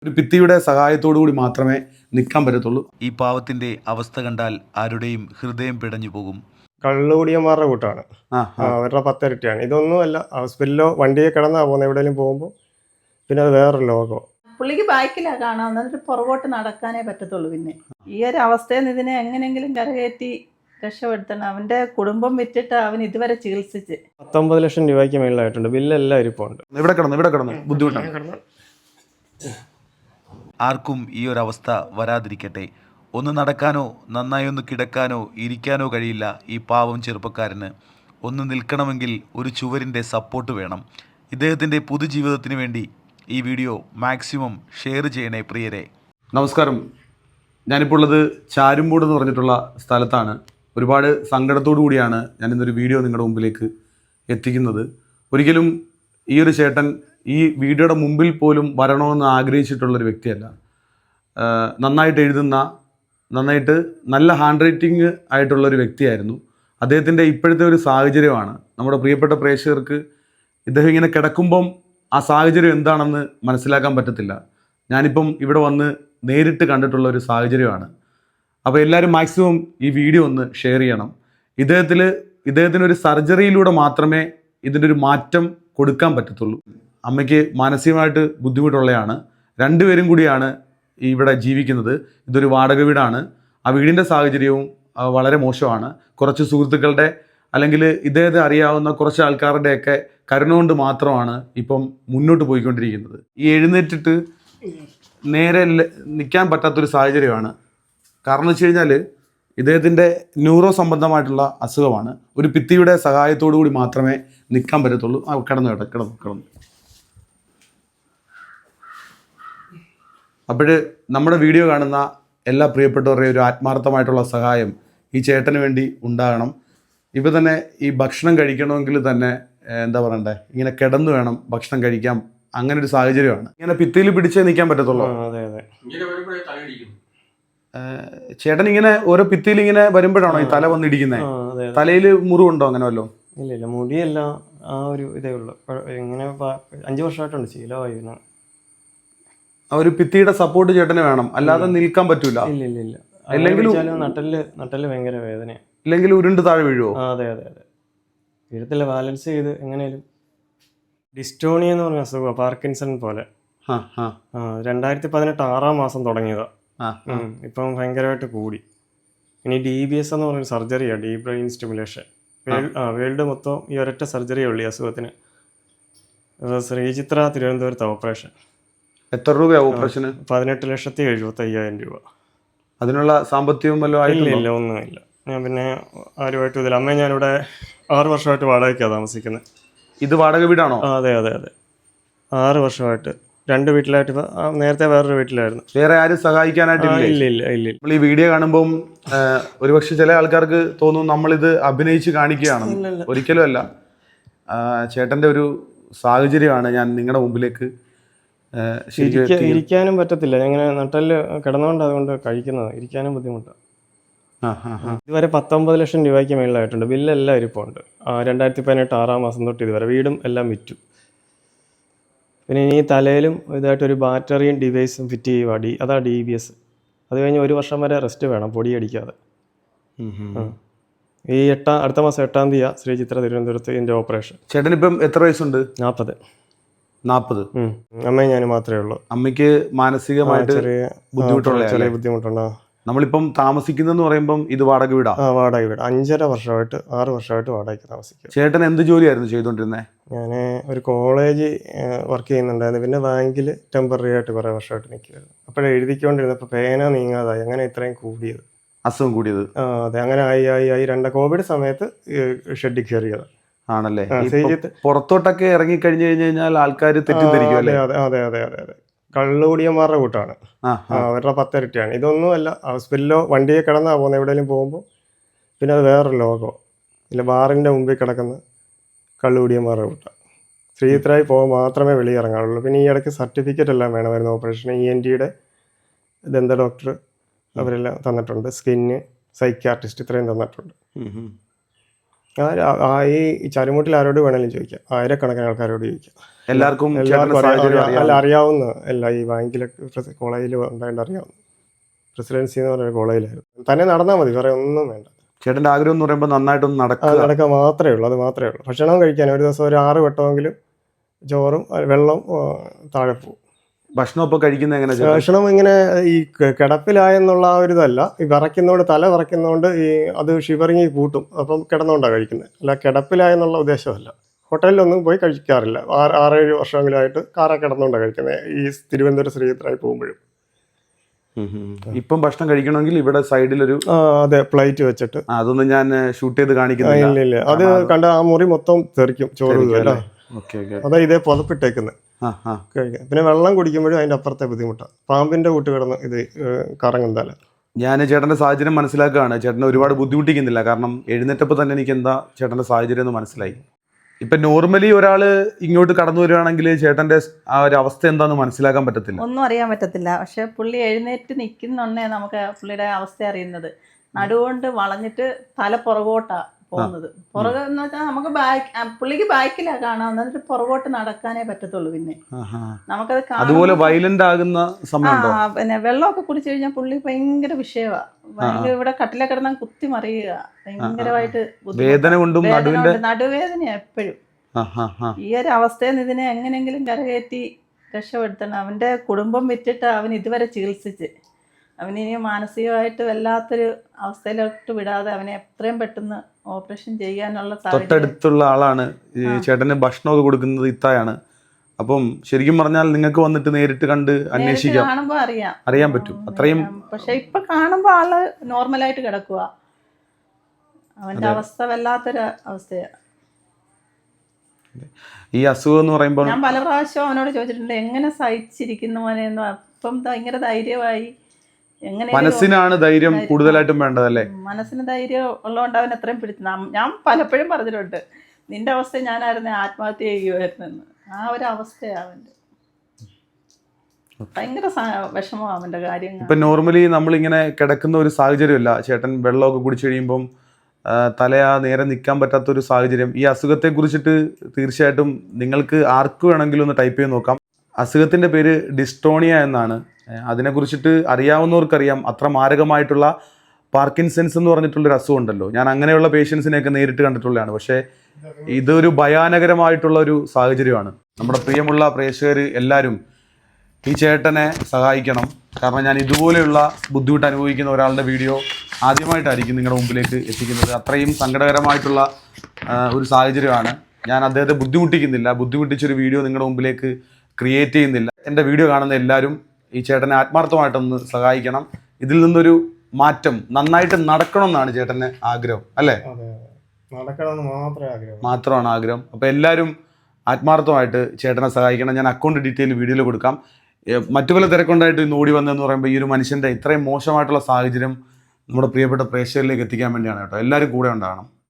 ഒരു ഭിത്തിയുടെ സഹായത്തോടു കൂടി മാത്രമേ നിൽക്കാൻ പറ്റത്തുള്ളൂ. ഈ പാവത്തിന്റെ അവസ്ഥ കണ്ടാൽ ആരുടെയും ഹൃദയം പിടഞ്ഞു പോകും. കള്ളുകൂടിയന്മാരുടെ കൂട്ടാണ്. അവരുടെ 10 ഇരട്ടിയാണ്. ഇതൊന്നുമല്ല, ഹോസ്പിറ്റലിലോ വണ്ടിയെ കിടന്നാ പോകുന്നത് എവിടെയെങ്കിലും പോകുമ്പോൾ. പിന്നെ അത് വേറൊരു ലോകമോ. പുള്ളിക്ക് ബാക്കിലാണ് കാണാൻ, എന്നിട്ട് പുറകോട്ട് നടക്കാനേ പറ്റത്തുള്ളൂ. പിന്നെ ഈ ഒരു അവസ്ഥയിൽ നിന്ന് ഇതിനെ എങ്ങനെയെങ്കിലും കരകയറ്റി രക്ഷപ്പെടുത്തണം. അവൻ്റെ കുടുംബം വിറ്റിട്ട് അവൻ ഇതുവരെ ചികിത്സിച്ച് 19 ലക്ഷം രൂപയ്ക്ക് മേളിലായിട്ടുണ്ട്. ബില്ലെല്ലാം ഇരിപ്പുണ്ട്. ഇവിടെ കിടന്ന് ബുദ്ധിമുട്ടാണ്. ആർക്കും ഈ ഒരു അവസ്ഥ വരാതിരിക്കട്ടെ. ഒന്ന് നടക്കാനോ നന്നായി ഒന്ന് കിടക്കാനോ ഇരിക്കാനോ കഴിയില്ല ഈ പാവം ചെറുപ്പക്കാരന്. ഒന്ന് നിൽക്കണമെങ്കിൽ ഒരു ചുവരിൻ്റെ സപ്പോർട്ട് വേണം. ഇദ്ദേഹത്തിൻ്റെ പൊതുജീവിതത്തിന് വേണ്ടി ഈ വീഡിയോ മാക്സിമം ഷെയർ ചെയ്യണേ പ്രിയരെ. നമസ്കാരം. ഞാനിപ്പോൾ ഉള്ളത് ചാരുംമൂട് എന്ന് പറഞ്ഞിട്ടുള്ള സ്ഥലത്താണ്. ഒരുപാട് സങ്കടത്തോടു കൂടിയാണ് ഞാനിന്നൊരു വീഡിയോ നിങ്ങളുടെ മുമ്പിലേക്ക് എത്തിക്കുന്നത്. ഒരിക്കലും ഈ ഒരു ചേട്ടൻ ഈ വീഡിയോയുടെ മുമ്പിൽ പോലും വരണമെന്ന് ആഗ്രഹിച്ചിട്ടുള്ളൊരു വ്യക്തിയല്ല. നന്നായിട്ട് എഴുതുന്ന, നന്നായിട്ട് നല്ല ഹാൻഡ് റൈറ്റിംഗ് ആയിട്ടുള്ളൊരു വ്യക്തിയായിരുന്നു. അദ്ദേഹത്തിൻ്റെ ഇപ്പോഴത്തെ ഒരു സാഹചര്യമാണ് നമ്മുടെ പ്രിയപ്പെട്ട പ്രേക്ഷകർക്ക്. ഇദ്ദേഹം ഇങ്ങനെ കിടക്കുമ്പം ആ സാഹചര്യം എന്താണെന്ന് മനസ്സിലാക്കാൻ പറ്റത്തില്ല. ഞാനിപ്പം ഇവിടെ വന്ന് നേരിട്ട് കണ്ടിട്ടുള്ള ഒരു സാഹചര്യമാണ്. അപ്പോൾ എല്ലാവരും മാക്സിമം ഈ വീഡിയോ ഒന്ന് ഷെയർ ചെയ്യണം. ഇദ്ദേഹത്തിനൊരു സർജറിയിലൂടെ മാത്രമേ ഇതിൻ്റെ ഒരു മാറ്റം കൊടുക്കാൻ പറ്റത്തുള്ളൂ. അമ്മയ്ക്ക് മാനസികമായിട്ട് ബുദ്ധിമുട്ടുള്ളതാണ്. രണ്ടുപേരും കൂടിയാണ് ഇവിടെ ജീവിക്കുന്നത്. ഇതൊരു വാടക വീടാണ്. ആ വീടിൻ്റെ സാഹചര്യവും വളരെ മോശമാണ്. കുറച്ച് സുഹൃത്തുക്കളുടെ അല്ലെങ്കിൽ ഇദ്ദേഹത്തെ അറിയാവുന്ന കുറച്ച് ആൾക്കാരുടെയൊക്കെ കരുണ കൊണ്ട് മാത്രമാണ് ഇപ്പം മുന്നോട്ട് പോയിക്കൊണ്ടിരിക്കുന്നത്. ഈ എഴുന്നേറ്റിട്ട് നേരെ നിൽക്കാൻ പറ്റാത്തൊരു സാഹചര്യമാണ്. കാരണം എന്ന് വെച്ച് കഴിഞ്ഞാൽ ഇദ്ദേഹത്തിൻ്റെ ന്യൂറോ സംബന്ധമായിട്ടുള്ള അസുഖമാണ്. ഒരു ഭിത്തിയുടെ സഹായത്തോടു കൂടി മാത്രമേ നിൽക്കാൻ പറ്റത്തുള്ളൂ. കിടന്നു. അപ്പോൾ നമ്മുടെ വീഡിയോ കാണുന്ന എല്ലാ പ്രിയപ്പെട്ടവരുടെയും ഒരു ആത്മാർത്ഥമായിട്ടുള്ള സഹായം ഈ ചേട്ടന് വേണ്ടി ഉണ്ടാകണം. ഇപ്പോൾ തന്നെ ഈ ഭക്ഷണം കഴിക്കണമെങ്കിൽ തന്നെ എന്താ പറയണ്ടേ, ഇങ്ങനെ കിടന്നു വേണം ഭക്ഷണം കഴിക്കാം. അങ്ങനെ ഒരു സാഹചര്യമാണ്. ഇങ്ങനെ ഭിത്തിയിൽ പിടിച്ചേ നിൽക്കാൻ പറ്റത്തുള്ളൂ. ചേട്ടൻ ഇങ്ങനെ ഓരോ ഭിത്തിയിൽ ഇങ്ങനെ വരുമ്പോഴാണോ ഈ തല വന്നിടിക്കുന്നത്? തലയിൽ മുറിവുണ്ടോ അങ്ങനെ വല്ലോ? ഇല്ല, മുടിയല്ല, ആ ഒരു ഇതേ ഉള്ളൂ. ഇങ്ങനെ 5 വർഷമായിട്ടുണ്ട് ശീലമായി. ആ ഒരു ഭിത്തിയുടെ സപ്പോർട്ട് ചേട്ടന് വേണം, അല്ലാതെ നിൽക്കാൻ പറ്റൂല. ഇല്ല. അല്ലെങ്കിൽ നട്ടല് ഭയങ്കര വേദനയാണ്. ഇല്ലെങ്കിൽ ഉരുണ്ട് താഴെ വീഴുവോ? അതെ. വീഴത്തില്ല, ബാലൻസ് ചെയ്ത് എങ്ങനെയാലും. ഡിസ്റ്റോണിയ എന്ന് പറഞ്ഞ അസുഖം, പാർക്കിൻസൺ പോലെ. 2018 6 മാസം തുടങ്ങിയതാ. ഇപ്പം ഭയങ്കരമായിട്ട് കൂടി. ഇനി DBS എന്ന് പറഞ്ഞൊരു സർജറിയാണ്, ഡീപ് ബ്രെയിൻ സ്റ്റിമുലേഷൻ. വേൾഡ് മൊത്തം ഈ ഒരൊറ്റ സർജറിയേ ഉള്ളൂ ഈ അസുഖത്തിന്. ശ്രീചിത്ര തിരുവനന്തപുരത്ത് ഓപ്പറേഷൻ. എത്ര രൂപയാണ് ഓപ്പറേഷന്? 18,75,000 രൂപ. അതിനുള്ള സാമ്പത്തികവും വല്ലതും ഇല്ല, ഒന്നുമില്ല. ഞാൻ പിന്നെ ആരുമായിട്ടും ഇതില്ല. അമ്മ ഞാനിവിടെ 6 വർഷമായിട്ട് വാടകയ്ക്കാണ് താമസിക്കുന്നത്. ഇത് വാടക വീടാണോ? അതെ. 6 വർഷമായിട്ട് 2 വീട്ടിലായിട്ട്. നേരത്തെ വേറൊരു വീട്ടിലായിരുന്നു. വേറെ ആരും സഹായിക്കാനായിട്ടില്ല? ഇല്ല. നമ്മൾ ഈ വീഡിയോ കാണുമ്പം ഒരുപക്ഷെ ചില ആൾക്കാർക്ക് തോന്നും നമ്മളിത് അഭിനയിച്ച് കാണിക്കുകയാണെന്ന്. ഒരിക്കലും അല്ല. ചേട്ടൻ്റെ ഒരു സാഹചര്യമാണ് ഞാൻ നിങ്ങളുടെ മുമ്പിലേക്ക്. ഇരിക്കാനും പറ്റത്തില്ല. ഇങ്ങനെ നട്ടല് കിടന്നുകൊണ്ട് അതുകൊണ്ട് കഴിക്കുന്നത്. ഇരിക്കാനും ബുദ്ധിമുട്ടാണ്. ഇതുവരെ 19 ലക്ഷം രൂപയ്ക്ക് മേളിലായിട്ടുണ്ട്. ബില്ലെല്ലാം ഇരിപ്പുണ്ട്. 2018 6 മാസം തൊട്ട് ഇതുവരെ വീടും എല്ലാം വിറ്റു. പിന്നെ ഇനി തലയിലും ഇതായിട്ടൊരു ബാറ്ററിയും ഡിവൈസും ഫിറ്റ് ചെയ്യുക. അതാ DBS. അത് കഴിഞ്ഞ് 1 വർഷം വരെ റെസ്റ്റ് വേണം, പൊടിയടിക്കാതെ. ഈ അടുത്ത മാസം 8-ാം തീയതി ശ്രീചിത്ര തിരുവനന്തപുരത്ത് ഇതിൻ്റെ ഓപ്പറേഷൻ. ചേട്ടനിപ്പം എത്ര വയസ്സുണ്ട്? 40. അമ്മയും ഞാനും മാത്രമേ ഉള്ളൂ. അമ്മയ്ക്ക് മാനസികമായിട്ട് ചെറിയ ബുദ്ധിമുട്ടുണ്ടോ? നമ്മളിപ്പം താമസിക്കുന്നെന്ന് പറയുമ്പം ഇത് വാടക വീടാ? വാടക വീട്. 5.5 വർഷമായിട്ട് 6 വർഷമായിട്ട് വാടകയ്ക്ക് താമസിക്കുക. ചേട്ടൻ എന്ത് ജോലിയായിരുന്നു ചെയ്തുകൊണ്ടിരുന്നത്? ഞാൻ ഒരു കോളേജ് വർക്ക് ചെയ്യുന്നുണ്ടായിരുന്നു. പിന്നെ ബാങ്കിൽ ടെമ്പററി ആയിട്ട് കുറേ വർഷമായിട്ട് നിൽക്കുമായിരുന്നു. അപ്പോഴേ എഴുതിക്കൊണ്ടിരുന്നപ്പോൾ പേന നീങ്ങാതായി. അങ്ങനെ ഇത്രയും കൂടിയത്, അസുഖം കൂടിയത്. അതെ, അങ്ങനെ ആയി. കോവിഡ് സമയത്ത് ഷെഡിൽ കയറിയത് ആണല്ലേ? പുറത്തോട്ടൊക്കെ ഇറങ്ങിക്കഴിഞ്ഞു കഴിഞ്ഞാൽ ആൾക്കാർ തെറ്റിദ്ധരിക്കും അല്ലേ? അതെ. കള്ളുകൂടിയന്മാരുടെ കൂട്ടാണ്. അവരുടെ 10 ഇരട്ടിയാണ്. ഇതൊന്നുമല്ല, ഹോസ്പിറ്റലിലോ വണ്ടിയെ കിടന്നാ പോകുന്നത് എവിടെയെങ്കിലും പോകുമ്പോൾ. പിന്നെ അത് വേറൊരു ലോകമോ. ഇല്ല, ബാറിൻ്റെ മുമ്പിൽ കിടക്കുന്ന കള്ളുകൂടിയന്മാരുടെ കൂട്ടാണ്. ശ്രീചിത്രായി പോകുമ്പോൾ മാത്രമേ വെളിയിറങ്ങാറുള്ളൂ. പിന്നെ ഈ ഇടയ്ക്ക് സർട്ടിഫിക്കറ്റ് എല്ലാം വേണമായിരുന്നു ഓപ്പറേഷന്. ENTയുടെ ദന്ത ഡോക്ടർ അവരെല്ലാം തന്നിട്ടുണ്ട്. സ്കിന്ന്, സൈക്യാട്രിസ്റ്റ് ഇത്രയും തന്നിട്ടുണ്ട്. ഈ ചരുമുട്ടിൽ ആരോട് വേണമെങ്കിലും ചോദിക്കാം, ആയിരക്കണക്കിന് ആൾക്കാരോട് ചോദിക്കാം. എല്ലാവർക്കും എല്ലാവർക്കും ചേട്ടന്റെ സാഹചര്യം അറിയാം. അറിയാവുന്ന ഈ ബാങ്കിലെ കോളേജിൽ ഉണ്ടായിട്ട് അറിയാവുന്ന പ്രസിഡൻസി എന്ന് പറഞ്ഞ കോളേജിലായിരുന്നു. തന്നെ നടന്നാൽ മതി, വേറെ ഒന്നും വേണ്ട. ചേട്ടന്റെ ആഗ്രഹം എന്ന് പറയുമ്പോൾ നന്നായിട്ടൊന്ന് അത് നടക്കാൻ മാത്രമേ ഉള്ളൂ, അത് മാത്രമേ ഉള്ളൂ. ഭക്ഷണം കഴിക്കാൻ ഒരു ദിവസം ഒരു 6 വട്ടമെങ്കിലും ചോറും വെള്ളം താഴെ പോകും. ഭക്ഷണം ഇപ്പോൾ കഴിക്കുന്നത് എങ്ങനെ? ഭക്ഷണം ഇങ്ങനെ ഈ കിടപ്പിലായെന്നുള്ള ആ ഒരു ഇതല്ല, ഈ വിറയ്ക്കുന്നതുകൊണ്ട്, തല വിറയ്ക്കുന്നതുകൊണ്ട് അത് ഷിവറിങ് കൂട്ടും, അപ്പം കിടന്നുകൊണ്ടാണ് കഴിക്കുന്നത്. അല്ല കിടപ്പിലായെന്നുള്ള ഉദ്ദേശമല്ല. ഹോട്ടലിലൊന്നും പോയി കഴിക്കാറില്ല. 6-7 വർഷമെങ്കിലായിട്ട് കാറ കിടന്നുകൊണ്ടാണ് കഴിക്കുന്നത്, ഈ തിരുവനന്തപുരം ശ്രീചിത്രായി പോകുമ്പോഴും. ഇപ്പം ഭക്ഷണം കഴിക്കണമെങ്കിൽ ഇവിടെ സൈഡിലൊരു അതെ പ്ലേറ്റ് വെച്ചിട്ട്, അതൊന്നും ഞാൻ ഷൂട്ട് ചെയ്ത് കാണിക്കുന്നില്ല. ഇല്ല അത് കണ്ട ആ മുറി മൊത്തം തെറിക്കും ചോറ്. അതാ ഇതേ പുതപ്പിട്ടേക്കുന്നത് കഴിക്കാൻ. പിന്നെ വെള്ളം കുടിക്കുമ്പോഴും അതിൻ്റെ അപ്പുറത്തെ ബുദ്ധിമുട്ടാണ്. പാമ്പിന്റെ കൂട്ട് കിടന്ന് ഇത് കറങ്ങും തല. ഞാൻ ചേട്ടൻ്റെ സാഹചര്യം മനസ്സിലാക്കുകയാണ്. ചേട്ടനെ ഒരുപാട് ബുദ്ധിമുട്ടിക്കുന്നില്ല, കാരണം എഴുന്നേറ്റപ്പോൾ തന്നെ എനിക്ക് എന്താ ചേട്ടൻ്റെ സാഹചര്യം എന്ന് മനസ്സിലായി. ഇപ്പം നോർമലി ഒരാൾ ഇങ്ങോട്ട് കടന്നു വരികയാണെങ്കിൽ ചേട്ടൻ്റെ ആ ഒരു അവസ്ഥ എന്താണെന്ന് മനസ്സിലാക്കാൻ പറ്റത്തില്ല, ഒന്നും അറിയാൻ പറ്റത്തില്ല. പക്ഷെ പുള്ളി എഴുന്നേറ്റ് നിൽക്കുന്നുണ്ടേ നമുക്ക് പുള്ളിയുടെ അവസ്ഥ അറിയുന്നത്. നടുകൊണ്ട് വളഞ്ഞിട്ട് തല പുറകോട്ടാ പോകുന്നത്. പുറകെ എന്ന് വെച്ചാൽ നമുക്ക് പുള്ളിക്ക് ബാക്കിലാ കാണാവുന്നത്, എന്നിട്ട് പുറകോട്ട് നടക്കാനേ പറ്റത്തുള്ളൂ. പിന്നെ നമുക്കത് അതുപോലെ വയലന്റ് ആകുന്ന സമയം. പിന്നെ വെള്ളമൊക്കെ കുടിച്ചു കഴിഞ്ഞാൽ പുള്ളി ഭയങ്കര വിഷയമാണ്. ഭയങ്കര ഇവിടെ കട്ടിലെ കിടന്നാൽ കുത്തി മറിയുക, ഭയങ്കരമായിട്ട് വേദന കൊണ്ടും നടുവേദനയാ എപ്പോഴും. ഈ ഒരു അവസ്ഥയിൽ നിന്ന് ഇതിനെ എങ്ങനെയെങ്കിലും കരകയറ്റി രക്ഷപ്പെടുത്തണം. അവന്റെ കുടുംബം വിറ്റിട്ട് അവൻ ഇതുവരെ ചികിത്സിച്ച് അവനിനി മാനസികമായിട്ട് വല്ലാത്തൊരു അവസ്ഥയിലോട്ട് വിടാതെ അവനെ എത്രയും പെട്ടെന്ന് ഓപ്പറേഷൻ ചെയ്യാനുള്ള തൊട്ടടുത്തുള്ള ആളാണ് ഈ ചേട്ടന് ഭക്ഷണമൊക്കെ കൊടുക്കുന്നത് ഇത്തായാണ്. അപ്പം ശരിക്കും പറഞ്ഞാൽ നിങ്ങൾക്ക് വന്നിട്ട് നേരിട്ട് കണ്ട് അന്വേഷിക്കാം, കാണുമ്പോ അറിയാൻ പറ്റും അത്രയും. പക്ഷെ ഇപ്പൊ കാണുമ്പോ ആള് നോർമലായിട്ട് കിടക്കുക. അവന്റെ അവസ്ഥ വല്ലാത്തൊരു അവസ്ഥയാണ്. ഈ അസുഖം എന്ന് പറയുമ്പോൾ ഞാൻ പല പ്രാവശ്യം അവനോട് ചോദിച്ചിട്ടുണ്ട്, എങ്ങനെ സഹിച്ചിരിക്കുന്നു മോനെന്ന്. അപ്പം ഭയങ്കര ധൈര്യമായി. മനസ്സിനാണ് ധൈര്യം കൂടുതലായിട്ടും വേണ്ടതല്ലേ? മനസ്സിന് ധൈര്യം ഉള്ളതുകൊണ്ട് അവൻ എത്രയും പിടിച്ചു. ഞാൻ പലപ്പോഴും പറഞ്ഞിട്ടുണ്ട്, നിന്റെ അവസ്ഥ ഞാനായിരുന്നു ആത്മഹത്യ ചെയ്യുമായിരുന്നെന്ന്. ആ ഒരു അവസ്ഥയാണ് അവൻ്റെ. ഭയങ്കര വിഷമമാണ് അവൻ്റെ കാര്യങ്ങൾ. ഇപ്പം നോർമലി നമ്മളിങ്ങനെ കിടക്കുന്ന ഒരു സാഹചര്യമല്ല. ചേട്ടൻ വെള്ളമൊക്കെ കുടിച്ചു കഴിയുമ്പം തലയാ നേരെ നിൽക്കാൻ പറ്റാത്തൊരു സാഹചര്യം. ഈ അസുഖത്തെ കുറിച്ചിട്ട് തീർച്ചയായിട്ടും നിങ്ങൾക്ക് ആർക്ക് വേണമെങ്കിലും ഒന്ന് ടൈപ്പ് ചെയ്ത് നോക്കാം. അസുഖത്തിൻ്റെ പേര് ഡിസ്റ്റോണിയ എന്നാണ്. അതിനെക്കുറിച്ചിട്ട് അറിയാവുന്നവർക്കറിയാം. അത്ര മാരകമായിട്ടുള്ള പാർക്കിൻസൺസ് എന്ന് പറഞ്ഞിട്ടുള്ളൊരു അസുഖം ഉണ്ടല്ലോ. ഞാൻ അങ്ങനെയുള്ള പേഷ്യൻസിനെയൊക്കെ നേരിട്ട് കണ്ടിട്ടുള്ളതാണ്. പക്ഷേ ഇതൊരു ഭയാനകരമായിട്ടുള്ള ഒരു സാഹചര്യമാണ്. നമ്മുടെ പ്രിയമുള്ള പ്രേക്ഷകർ എല്ലാവരും ഈ ചേട്ടനെ സഹായിക്കണം. കാരണം ഞാൻ ഇതുപോലെയുള്ള ബുദ്ധിമുട്ട് അനുഭവിക്കുന്ന ഒരാളുടെ വീഡിയോ ആദ്യമായിട്ടായിരിക്കും നിങ്ങളുടെ മുമ്പിലേക്ക് എത്തിക്കുന്നത്. അത്രയും സങ്കടകരമായിട്ടുള്ള ഒരു സാഹചര്യമാണ്. ഞാൻ അദ്ദേഹത്തെ ബുദ്ധിമുട്ടിക്കുന്നില്ല, ബുദ്ധിമുട്ടിച്ചൊരു വീഡിയോ നിങ്ങളുടെ മുമ്പിലേക്ക് ക്രിയേറ്റ് ചെയ്യുന്നില്ല. എൻ്റെ വീഡിയോ കാണുന്ന എല്ലാവരും ഈ ചേട്ടനെ ആത്മാർത്ഥമായിട്ടൊന്ന് സഹായിക്കണം. ഇതിൽ നിന്നൊരു മാറ്റം നന്നായിട്ട് നടക്കണം എന്നാണ് ചേട്ടന് ആഗ്രഹം, അല്ലേ? മാത്രമാണ് ആഗ്രഹം. അപ്പോൾ എല്ലാവരും ആത്മാർത്ഥമായിട്ട് ചേട്ടനെ സഹായിക്കണം. ഞാൻ അക്കൗണ്ട് ഡീറ്റെയിൽ വീഡിയോയിൽ കൊടുക്കാം. മറ്റു പല തിരക്കുണ്ടായിട്ട് ഇന്ന് ഓടി വന്നതെന്ന് പറയുമ്പോൾ ഈ ഒരു മനുഷ്യൻ്റെ ഇത്രയും മോശമായിട്ടുള്ള സാഹചര്യം നമ്മുടെ പ്രിയപ്പെട്ട പ്രേക്ഷകരിലേക്ക് എത്തിക്കാൻ വേണ്ടിയാണ് കേട്ടോ. എല്ലാവരും കൂടെ ഉണ്ടാകണം.